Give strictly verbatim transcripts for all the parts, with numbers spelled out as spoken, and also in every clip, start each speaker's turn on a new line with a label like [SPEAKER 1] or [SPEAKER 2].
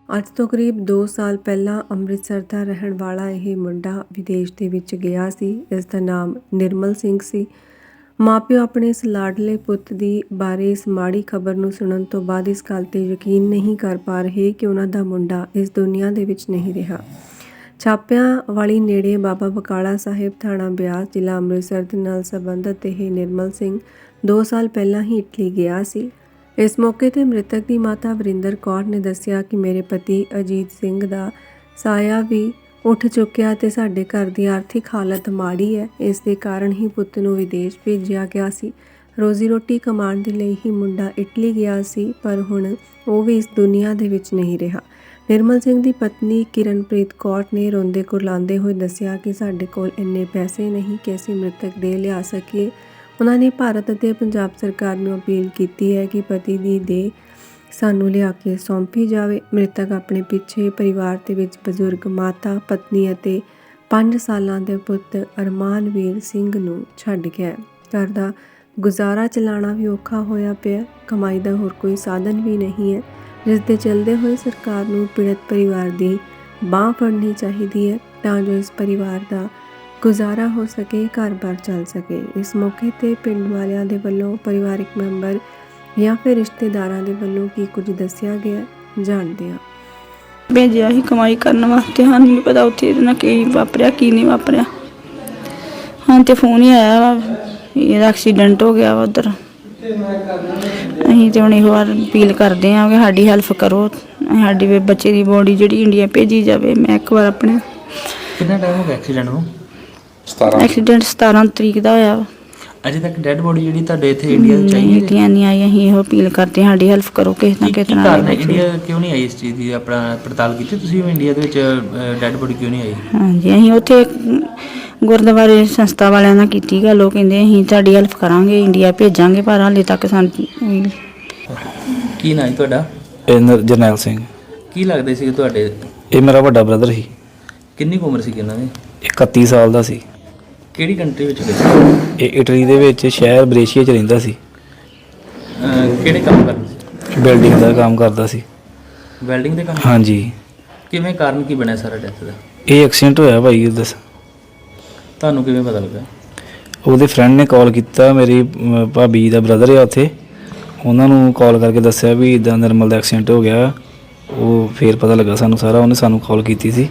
[SPEAKER 1] ਅੱਜ ਤੋਂ ਕਰੀਬ ਦੋ ਸਾਲ ਪਹਿਲਾਂ ਅੰਮ੍ਰਿਤਸਰ ਦਾ ਰਹਿਣ ਵਾਲਾ ਇਹ ਮੁੰਡਾ ਵਿਦੇਸ਼ ਦੇ ਵਿੱਚ ਗਿਆ ਸੀ। ਇਸ ਦਾ ਨਾਮ ਨਿਰਮਲ ਸਿੰਘ ਸੀ। ਮਾਪਿਓ ਆਪਣੇ ਇਸ ਲਾਡਲੇ ਪੁੱਤ ਦੀ ਬਾਰੇ ਇਸ ਮਾੜੀ ਖਬਰ ਨੂੰ ਸੁਣਨ ਤੋਂ ਬਾਅਦ ਇਸ ਗੱਲ ਤੇ ਯਕੀਨ ਨਹੀਂ ਕਰ ਪਾ ਰਹੇ ਕਿ ਉਹਨਾਂ ਦਾ ਮੁੰਡਾ ਇਸ ਦੁਨੀਆ ਦੇ ਵਿੱਚ ਨਹੀਂ ਰਿਹਾ। ਛਾਪਿਆਂ ਵਾਲੀ ਨੇੜੇ ਬਾਬਾ ਬਕਾਲਾ ਸਾਹਿਬ ਥਾਣਾ ਬਿਆਸ ਜ਼ਿਲ੍ਹਾ ਅੰਮ੍ਰਿਤਸਰ ਦੇ ਨਾਲ ਸੰਬੰਧਿਤ ਇਹ ਨਿਰਮਲ ਸਿੰਘ ਦੋ ਸਾਲ ਪਹਿਲਾਂ ਹੀ ਇਟਲੀ ਗਿਆ ਸੀ। ਇਸ ਮੌਕੇ ਤੇ ਮ੍ਰਿਤਕ ਦੀ ਮਾਤਾ ਵਰਿੰਦਰ ਕੌਰ ਨੇ ਦੱਸਿਆ ਕਿ ਮੇਰੇ ਪਤੀ ਅਜੀਤ ਸਿੰਘ ਦਾ ਸਾਇਆ ਵੀ ਉੱਠ ਚੁੱਕਿਆ ਤੇ ਸਾਡੇ ਘਰ ਦੀ ਆਰਥਿਕ ਹਾਲਤ ਮਾੜੀ ਹੈ। ਇਸ ਦੇ ਕਾਰਨ ਹੀ ਪੁੱਤ ਨੂੰ ਵਿਦੇਸ਼ ਭੇਜਿਆ ਗਿਆ ਸੀ। ਰੋਜ਼ੀ ਰੋਟੀ ਕਮਾਉਣ ਦੇ ਲਈ ਹੀ ਮੁੰਡਾ ਇਟਲੀ ਗਿਆ ਸੀ, ਪਰ ਹੁਣ ਉਹ ਵੀ ਇਸ ਦੁਨੀਆ ਦੇ ਵਿੱਚ ਨਹੀਂ ਰਿਹਾ। ਨਿਰਮਲ ਸਿੰਘ ਦੀ ਪਤਨੀ ਕਿਰਨਪ੍ਰੀਤ ਕੌਰ ਨੇ ਰੋਂਦੇ ਕੁਰਲਾਉਂਦੇ ਹੋਏ ਦੱਸਿਆ ਕਿ ਸਾਡੇ ਕੋਲ ਇੰਨੇ ਪੈਸੇ ਨਹੀਂ ਕਿ ਅਸੀਂ ਮ੍ਰਿਤਕ ਦੇ ਲਿਆ ਸਕੀਏ। ਉਹਨਾਂ ਨੇ ਭਾਰਤ ਅਤੇ ਪੰਜਾਬ ਸਰਕਾਰ ਨੂੰ ਅਪੀਲ ਕੀਤੀ ਹੈ ਕਿ ਪਤੀ ਦੀ ਦੇਹ ਸਾਨੂੰ ਲਿਆ ਕੇ ਸੌਂਪੀ ਜਾਵੇ। ਮ੍ਰਿਤਕ ਆਪਣੇ ਪਿੱਛੇ ਪਰਿਵਾਰ ਦੇ ਵਿੱਚ ਬਜ਼ੁਰਗ ਮਾਤਾ, ਪਤਨੀ ਅਤੇ ਪੰਜ ਸਾਲਾਂ ਦੇ ਪੁੱਤ ਅਰਮਾਨਵੀਰ ਸਿੰਘ ਨੂੰ ਛੱਡ ਗਿਆ। ਘਰ ਦਾ ਗੁਜ਼ਾਰਾ ਚਲਾਉਣਾ ਵੀ ਔਖਾ ਹੋਇਆ ਪਿਆ। ਕਮਾਈ ਦਾ ਹੋਰ ਕੋਈ ਸਾਧਨ ਵੀ ਨਹੀਂ ਹੈ, ਜਿਸ ਦੇ ਚੱਲਦੇ ਹੋਏ ਸਰਕਾਰ ਨੂੰ ਪੀੜਤ ਪਰਿਵਾਰ ਦੀ ਬਾਂਹ ਫੜਨੀ ਚਾਹੀਦੀ ਹੈ ਤਾਂ ਜੋ ਇਸ ਪਰਿਵਾਰ ਦਾ ਗੁਜ਼ਾਰਾ ਹੋ ਸਕੇ, ਘਰ-ਬਾਰ ਚੱਲ ਸਕੇ। ਇਸ ਮੌਕੇ ਤੇ ਪਿੰਡ ਵਾਲਿਆਂ ਦੇ ਵੱਲੋਂ ਪਰਿਵਾਰਿਕ ਮੈਂਬਰ ਜਾਂ ਫਿਰ ਰਿਸ਼ਤੇਦਾਰਾਂ ਦੇ ਵੱਲੋਂ ਕੀ ਕੁਝ ਦੱਸਿਆ ਗਿਆ, ਜਾਣਦੇ ਹਾਂ।
[SPEAKER 2] ਭੇਜਿਆ ਹੀ ਕਮਾਈ ਕਰਨ ਵਾਸਤੇ, ਸਾਨੂੰ ਨਹੀਂ ਪਤਾ ਉੱਥੇ ਇਹਦੇ ਨਾਲ ਕੀ ਵਾਪਰਿਆ ਕੀ ਨਹੀਂ ਵਾਪਰਿਆ। ਹਾਂ ਤੇ ਫੋਨ ਹੀ ਆਇਆ ਵਾ ਇਹਦਾ ਐਕਸੀਡੈਂਟ ਹੋ ਗਿਆ ਵਾ ਉੱਧਰ। ਅਸੀਂ ਤੇ ਹੁਣ ਇਹੋ ਵਾਰ ਅਪੀਲ ਕਰਦੇ ਹਾਂ ਕਿ ਸਾਡੀ ਹੈਲਪ ਕਰੋ, ਸਾਡੀ ਬੱਚੇ ਦੀ ਬੋਡੀ ਜਿਹੜੀ ਇੰਡੀਆ ਭੇਜੀ ਜਾਵੇ। ਮੈਂ ਇੱਕ ਵਾਰ ਆਪਣੇ
[SPEAKER 3] ਕਿੰਨਾ ਟਾਈਮ ਹੋ ਗਿਆ ਐਕਸੀਡੈਂਟ ਨੂੰ?
[SPEAKER 2] ਐਕਸੀਡੈਂਟ ਸਤਾਰਾਂ ਤਰੀਕ ਦਾ ਹੋਇਆ ਵਾ।
[SPEAKER 3] ਅਜੇ ਤੱਕ ਡੈਡ ਬੋਡੀ ਜਿਹੜੀ ਤੁਹਾਡੇ ਇੱਥੇ ਇੰਡੀਆ ਚ ਆਈ ਹੈ?
[SPEAKER 2] ਇੰਡੀਆ ਨਹੀਂ ਆਈ। ਅਸੀਂ ਇਹੋ ਅਪੀਲ ਕਰਦੇ ਹਾਂ ਸਾਡੀ ਹੈਲਪ ਕਰੋ ਕਿਸੇ ਨਾ ਕਿਸੇ ਤਰ੍ਹਾਂ।
[SPEAKER 3] ਇੰਡੀਆ ਕਿਉਂ ਨਹੀਂ ਆਈ ਇਸ ਚੀਜ਼ ਦੀ ਆਪਣਾ ਪੜਤਾਲ ਕੀਤੀ ਤੁਸੀਂ? ਇੰਡੀਆ ਦੇ ਵਿੱਚ ਡੈਡ ਬੋਡੀ ਕਿਉਂ ਨਹੀਂ ਆਈ? ਹਾਂਜੀ,
[SPEAKER 2] ਅਸੀਂ ਉੱਥੇ ਗੁਰਦੁਆਰੇ ਸੰਸਥਾ ਵਾਲਿਆਂ ਨਾਲ ਕੀਤੀ ਗੱਲ। ਉਹ ਕਹਿੰਦੇ ਅਸੀਂ ਤੁਹਾਡੀ ਹੈਲਪ ਕਰਾਂਗੇ, ਇੰਡੀਆ ਭੇਜਾਂਗੇ, ਪਰ ਹਾਲੇ ਤੱਕ ਸਾਨੂੰ।
[SPEAKER 3] ਕੀ ਨਾਂ ਹੈ ਤੁਹਾਡਾ?
[SPEAKER 4] ਜਰਨੈਲ ਸਿੰਘ।
[SPEAKER 3] ਕੀ ਲੱਗਦੇ ਸੀ ਤੁਹਾਡੇ?
[SPEAKER 4] ਇਹ ਮੇਰਾ ਵੱਡਾ ਬ੍ਰਦਰ ਸੀ।
[SPEAKER 3] ਕਿੰਨੀ ਕੁ ਉਮਰ ਸੀ ਇਹਨਾਂ ਦੀ?
[SPEAKER 4] ਇਕੱਤੀ ਸਾਲ ਦਾ ਸੀ।
[SPEAKER 3] ਕਿਹੜੀ ਕੰਟਰੀ ਵਿੱਚ ਗਏ?
[SPEAKER 4] ਇਹ ਇਟਲੀ ਦੇ ਵਿੱਚ ਸ਼ਹਿਰ ਬ੍ਰੇਸ਼ੀਆ 'ਚ ਰਹਿੰਦਾ ਸੀ।
[SPEAKER 3] ਕਿਹੜੇ ਕੰਮ ਕਰਦੇ ਸੀ?
[SPEAKER 4] ਬਿਲਡਿੰਗ ਦਾ ਕੰਮ ਕਰਦਾ ਸੀ।
[SPEAKER 3] ਵੈਲਡਿੰਗ ਦੇ ਕੰਮ?
[SPEAKER 4] ਹਾਂਜੀ।
[SPEAKER 3] ਕਿਵੇਂ, ਕਾਰਨ ਕੀ ਬਣਿਆ ਸਾਰਾ ਡੈਥ ਦਾ?
[SPEAKER 4] ਇਹ ਐਕਸੀਡੈਂਟ ਹੋਇਆ ਭਾਈ। ਦੱਸ
[SPEAKER 3] ਤੁਹਾਨੂੰ ਕਿਵੇਂ ਪਤਾ ਲੱਗਾ?
[SPEAKER 4] ਉਹਦੇ ਫਰੈਂਡ ਨੇ ਕਾਲ ਕੀਤਾ, ਮੇਰੀ ਭਾਬੀ ਦਾ ਬ੍ਰਦਰ ਆ ਉੱਥੇ, ਉਹਨਾਂ ਨੂੰ ਕਾਲ ਕਰਕੇ ਦੱਸਿਆ ਵੀ ਇੱਦਾਂ ਨਿਰਮਲ ਦਾ ਐਕਸੀਡੈਂਟ ਹੋ ਗਿਆ। ਉਹ ਫਿਰ ਪਤਾ ਲੱਗਾ ਸਾਨੂੰ ਸਾਰਾ, ਉਹਨੇ ਸਾਨੂੰ ਕਾਲ ਕੀਤੀ ਸੀ।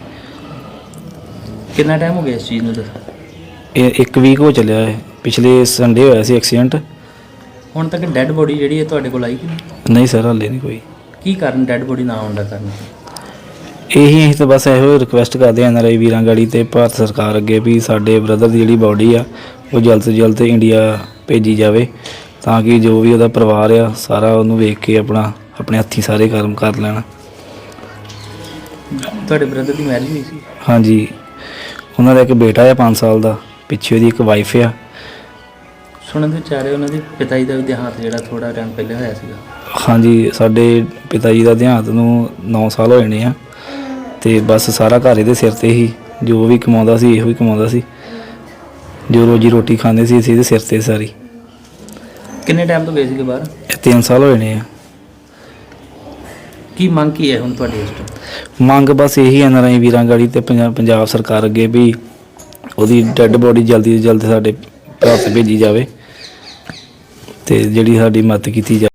[SPEAKER 3] ਕਿੰਨਾ ਟਾਈਮ ਹੋ ਗਿਆ ਇਸ ਚੀਜ਼ ਨੂੰ? ਦੱਸ।
[SPEAKER 4] ਇਹ ਇੱਕ ਵੀਕ ਹੋ ਚੱਲਿਆ ਹੈ। ਪਿਛਲੇ ਸੰਡੇ ਹੋਇਆ ਸੀ ਐਕਸੀਡੈਂਟ।
[SPEAKER 3] ਹੁਣ ਤੱਕ ਡੈਡ ਬੋਡੀ ਜਿਹੜੀ ਹੈ ਤੁਹਾਡੇ ਕੋਲ ਆਈ ਕਿ ਨਹੀਂ?
[SPEAKER 4] ਨਹੀਂ ਸਰ, ਹਾਲੇ ਨਹੀਂ ਕੋਈ।
[SPEAKER 3] ਕੀ ਕਾਰਨ ਡੈਡ ਬੋਡੀ ਨਾ ਆਉਣ ਦਾ ਕਾਰਨ?
[SPEAKER 4] ਇਹੀ ਅਸੀਂ ਤਾਂ ਬਸ ਇਹੋ ਰਿਕੁਐਸਟ ਕਰਦੇ ਹਾਂ ਐਨ ਆਰ ਆਈ ਵੀਰਾਂ ਗਾੜੀ ਤੇ ਭਾਰਤ ਸਰਕਾਰ ਅੱਗੇ ਵੀ ਸਾਡੇ ਬ੍ਰਦਰ ਦੀ ਜਿਹੜੀ ਬੋਡੀ ਆ ਉਹ ਜਲਦ ਤੋਂ ਜਲਦ ਇੰਡੀਆ ਭੇਜੀ ਜਾਵੇ, ਤਾਂ ਕਿ ਜੋ ਵੀ ਉਹਦਾ ਪਰਿਵਾਰ ਆ ਸਾਰਾ ਉਹਨੂੰ ਵੇਖ ਕੇ ਆਪਣਾ ਆਪਣੇ ਹੱਥੀਂ ਸਾਰੇ ਕਰਮ ਕਰ ਲੈਣ।
[SPEAKER 3] ਤੁਹਾਡੇ ਬ੍ਰਦਰ ਦੀ ਮੈਰਿਜ ਹੋਈ ਸੀ?
[SPEAKER 4] ਹਾਂਜੀ, ਉਹਨਾਂ ਦਾ ਇੱਕ ਬੇਟਾ ਆ ਪੰਜ ਸਾਲ ਦਾ, ਪਿੱਛੇ ਉਹਦੀ ਇੱਕ ਵਾਈਫ ਆ।
[SPEAKER 3] ਸੁਣਨ ਦੇ ਚਾਰੇ ਉਹਨਾਂ ਦੇ ਪਿਤਾ ਜੀ ਦਾ ਵੀ ਦੇਹਾਂਤ ਜਿਹੜਾ ਥੋੜਾ ਟਾਈਮ ਪਹਿਲੇ ਹੋਇਆ ਸੀਗਾ।
[SPEAKER 4] ਹਾਂਜੀ, ਸਾਡੇ ਪਿਤਾ ਜੀ ਦਾ ਦੇਹਾਂਤ ਨੂੰ ਨੌ ਸਾਲ ਹੋਏ ਨੇ ਆ, ਤੇ ਬਸ ਸਾਰਾ ਘਰ ਇਹਦੇ ਸਿਰ ਤੇ ਹੀ। ਜੋ ਵੀ ਕਮਾਉਂਦਾ ਸੀ ਇਹੋ ਹੀ ਕਮਾਉਂਦਾ ਸੀ, ਜੋ ਰੋਜੀ ਰੋਟੀ ਖਾਂਦੇ ਸੀ ਅਸੀਂ ਇਹਦੇ ਸਿਰ ਤੇ ਸਾਰੀ।
[SPEAKER 3] ਕਿੰਨੇ ਟਾਈਮ ਤੋਂ ਗਏ ਸੀਗੇ ਬਾਹਰ?
[SPEAKER 4] ਇਹ ਤਿੰਨ ਸਾਲ ਹੋਏ ਨੇ ਆ।
[SPEAKER 3] ਕੀ ਮੰਗ ਕੀ ਹੈ ਹੁਣ ਤੁਹਾਡੀ ਇਸ ਤੋਂ?
[SPEAKER 4] ਮੰਗ ਬਸ ਇਹੀ ਐਨ ਆਰ ਆਈ ਵੀਰਾਂ ਗਾੜੀ ਤੇ ਪੰਜਾਬ ਪੰਜਾਬ ਸਰਕਾਰ ਅੱਗੇ ਵੀ ਉਹਦੀ ਡੈੱਡ ਬੋਡੀ ਜਲਦੀ ਤੋਂ ਜਲਦੀ ਸਾਡੇ ਭਾਰਤ ਭੇਜੀ ਜਾਵੇ ਤੇ ਜਿਹੜੀ ਸਾਡੀ ਮਦਦ ਕੀਤੀ ਜਾਵੇ।